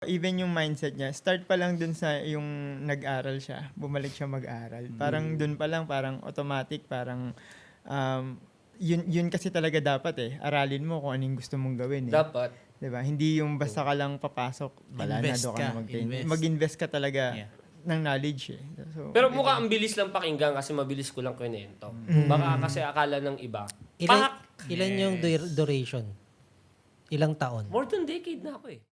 Even yung mindset niya, start pa lang dun sa yung nag-aral siya, bumalik siya mag-aral. Parang dun pa lang, parang automatic, parang yun kasi talaga dapat aralin mo kung anong gusto mong gawin Dapat. 'Di ba? Hindi yung basta ka lang papasok, wala na, Invest doon ka na ka, mag-train. invest. Mag-invest ka talaga Yeah. ng knowledge So, Pero mukha ang bilis lang pakinggan kasi mabilis ko lang kwento. Baka kasi akala ng iba. Ilan yung duration? Ilang taon? More than decade na ako eh.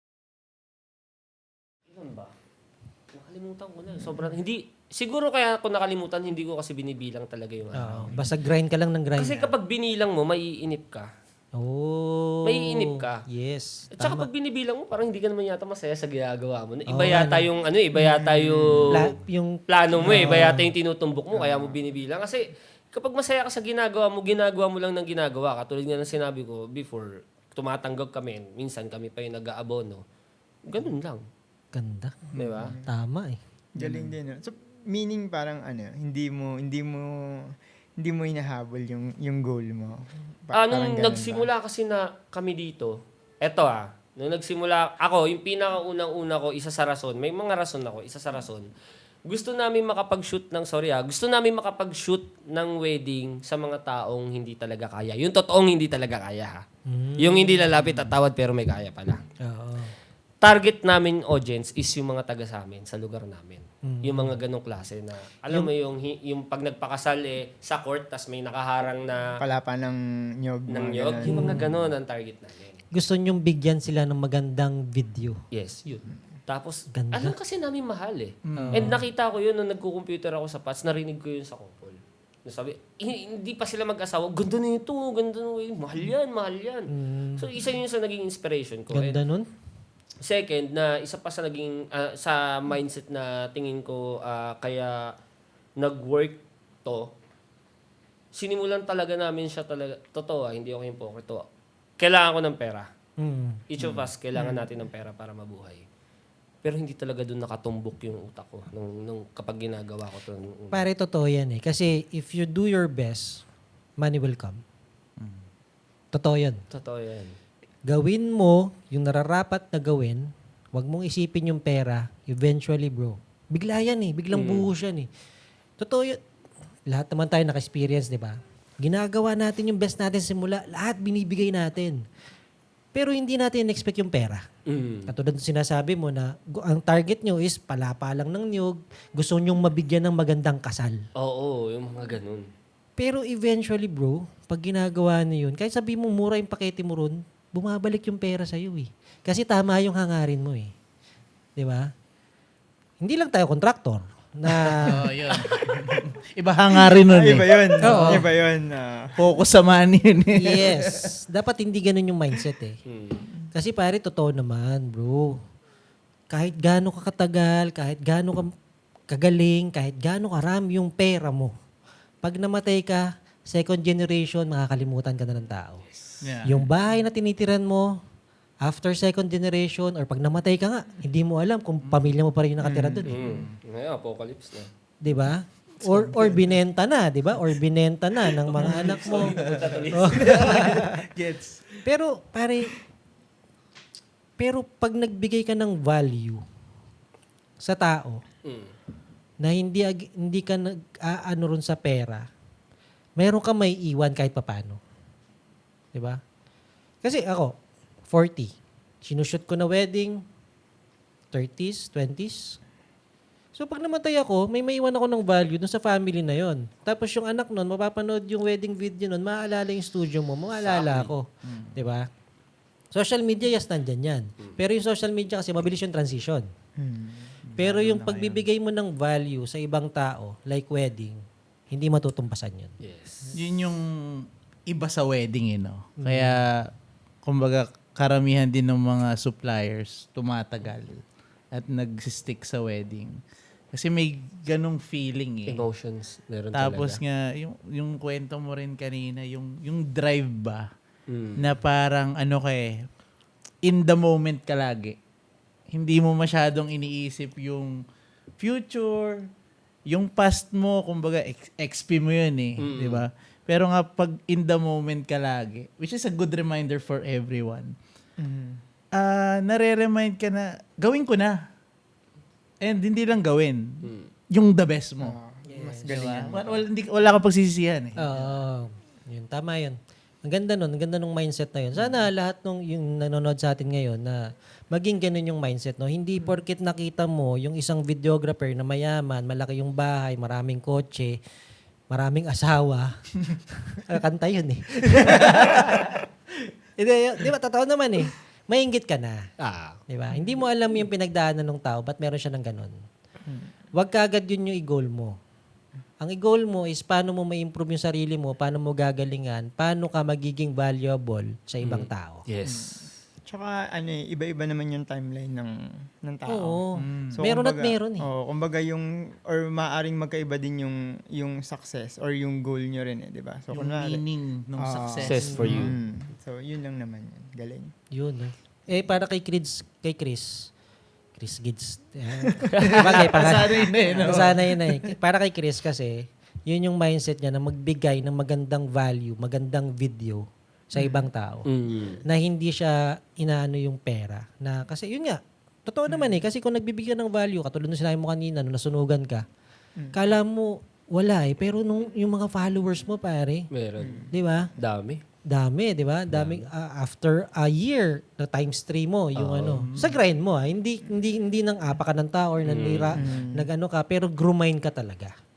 Ilan ba? Nakalimutan ko na. Sobrang hindi. Siguro kaya ako nakalimutan, hindi ko kasi binibilang talaga yung araw. Basta grind ka lang ng grind. Kasi kapag binilang mo, maiinip ka. Oh. Maiinip ka. Yes. At saka Tama. pag binibilang mo, parang hindi ka naman yata masaya sa ginagawa mo. Iba Oo, yata yung iba yata yung yung plano mo iba yata yung tinutumbok mo kaya mo binibilang. Kasi kapag masaya ka sa ginagawa mo lang ng ginagawa. Katulad nga ng sinabi ko before, tumatanggap kami. Minsan kami pa yung nag-aabono. Ganun lang. ganda. Di ba? Tama eh. galing din. So, meaning parang hindi mo hinahabol yung goal mo. Nung ganun nagsimula kasi na kami dito, nung nagsimula, ako, yung pinakaunang-una ko, isa sa rason, may mga rason ako, isa sa rason, gusto namin makapag-shoot ng wedding sa mga taong hindi talaga kaya. Yung totoong hindi talaga kaya ha. Yung hindi lalapit at tawad pero may kaya pala. Oo. Target namin audience is yung mga taga sa amin, sa lugar namin. Yung mga ganong klase na, alam mo yung pag nagpakasal sa court, tas may nakaharang na palapa ng nyog. ng mga nyog, ganun. yung mga ganon ang target namin. Gusto nyong bigyan sila ng magandang video. Yes, yun. Tapos, Ganda. alam kasi namin mahal And nakita ko yun nung nagko-computer ako sa PATS, narinig ko yun sa couple. Sabi, hindi pa sila mag-asawa, ganda na ito, mahal yan. So, isa yun sa naging inspiration ko. Ganda nun. Second, na isa pa sa naging sa mindset na tingin ko kaya nag-work to, sinimulan talaga namin siya talaga, totoo hindi ako hypocrite. Kailangan ko ng pera. Each of us, kailangan natin ng pera para mabuhay. Pero hindi talaga doon nakatumbok yung utak ko nung kapag ginagawa ko to. Pare, totoo yan eh. Kasi if you do your best, money will come. Totoo yan. Totoo yan. Gawin mo yung nararapat na gawin, wag mong isipin yung pera, eventually bro. Bigla yan eh, biglang buhos yan eh. Totoo yun. Lahat naman tayo naka-experience, di ba? Ginagawa natin yung best natin simula, lahat binibigay natin. Pero hindi natin expect yung pera. Katulad ng sinasabi mo na ang target nyo is palapa lang ng niyog, gusto nyong mabigyan ng magandang kasal. Oo, yung mga ganun. Pero eventually bro, pag ginagawa niyo yun, kahit sabi mo mura yung pakete mo ron, bumabalik yung pera sa'yo eh. Kasi tama yung hangarin mo eh. Di ba? Hindi lang tayo kontraktor na Yun. Iba hangarin nun Iba yun. Oo. Iba yun. Focus sa money yun eh. yes, dapat hindi ganun yung mindset eh. Kasi pare, totoo naman bro. Kahit gaano ka katagal, kahit gaano ka kagaling, kahit gaano karami yung pera mo, pag namatay ka, second generation, makakalimutan ka na ng tao. Yeah. Yung bahay na tinitiran mo, after second generation, or pag namatay ka nga, hindi mo alam kung pamilya mo pa rin yung nakatira doon. Ngayon, apocalypse na. Di ba? Or binenta na, di ba? Or binenta na ng mga anak mo. Gets. Pero pag nagbigay ka ng value sa tao, na hindi ka nag-aano ron sa pera, meron ka may iwan kahit papano. Di ba? Kasi ako, 40. Sinushoot ko na wedding, 30s, 20s. So pag namatay ako, may maiwan ako ng value dun sa family na yon. Tapos yung anak nun, mapapanood yung wedding video nun, maaalala yung studio mo, maaalala ako. Di ba? Social media, yes, nandyan yan. Pero yung social media kasi, mabilis yung transition. Pero yung pagbibigay mo ng value sa ibang tao, like wedding, hindi matutumpasan yun. Yes. Yun yung iba sa wedding no? Kaya, kumbaga, karamihan din ng mga suppliers tumatagal at nag-stick sa wedding. Kasi may ganong feeling Emotions, meron Tapos talaga. nga, yung kwento mo rin kanina, yung drive ba, na parang in the moment ka lagi. Hindi mo masyadong iniisip yung future, yung past mo, kumbaga, XP mo yun di ba? Pero nga, pag in the moment ka lagi, which is a good reminder for everyone, nare-remind ka na, gawin ko na. And hindi lang gawin. Yung the best mo. Mas galingan. Wala kang pagsisisihan eh. Oo. Yun, tama yun. Ang ganda nun. Ang ganda nung mindset na yun. Sana lahat nung yung nanonood sa atin ngayon na maging ganun yung mindset. No? Hindi porket nakita mo yung isang videographer na mayaman, malaki yung bahay, maraming kotse, maraming asawa. Kanta yun eh. Di ba? Totoo naman eh. Mainggit ka na. Di ba? Hindi mo alam yung pinagdaanan ng tao, ba't meron siya ng ganun. Huwag ka agad yun yung i-goal mo. Ang i-goal mo is paano mo ma-improve yung sarili mo, paano mo gagalingan, paano ka magiging valuable sa ibang tao. Yes. Tsaka iba-iba naman yung timeline ng tao. Oo. So, Meron at kumbaga- meron eh. Oo, kumbaga or maaring magkaiba din yung success or yung goal nyo rin eh, di ba? So, Yung meaning ng success. Success for you. So, yun lang naman yun. Galing. Yun. Para kay Chris Gids. Bagay, Sanay na eh, no? Sana yun eh. Para kay Chris kasi, yun yung mindset niya na magbigay ng magandang value, magandang video sa ibang tao. Na hindi siya inaano yung pera. Na, kasi yun nga, totoo naman eh. Kasi kung nagbibigay ng value, katulad nung sinabi mo kanina, nung nasunugan ka, kala mo, wala eh. Pero nung yung mga followers mo, pare, Meron. di ba? Dami, di ba? Dami after a year na times 3 mo yung sa grind mo, hindi nang apa ka ng tao or nanira, nag-ano ka, pero grumain ka talaga.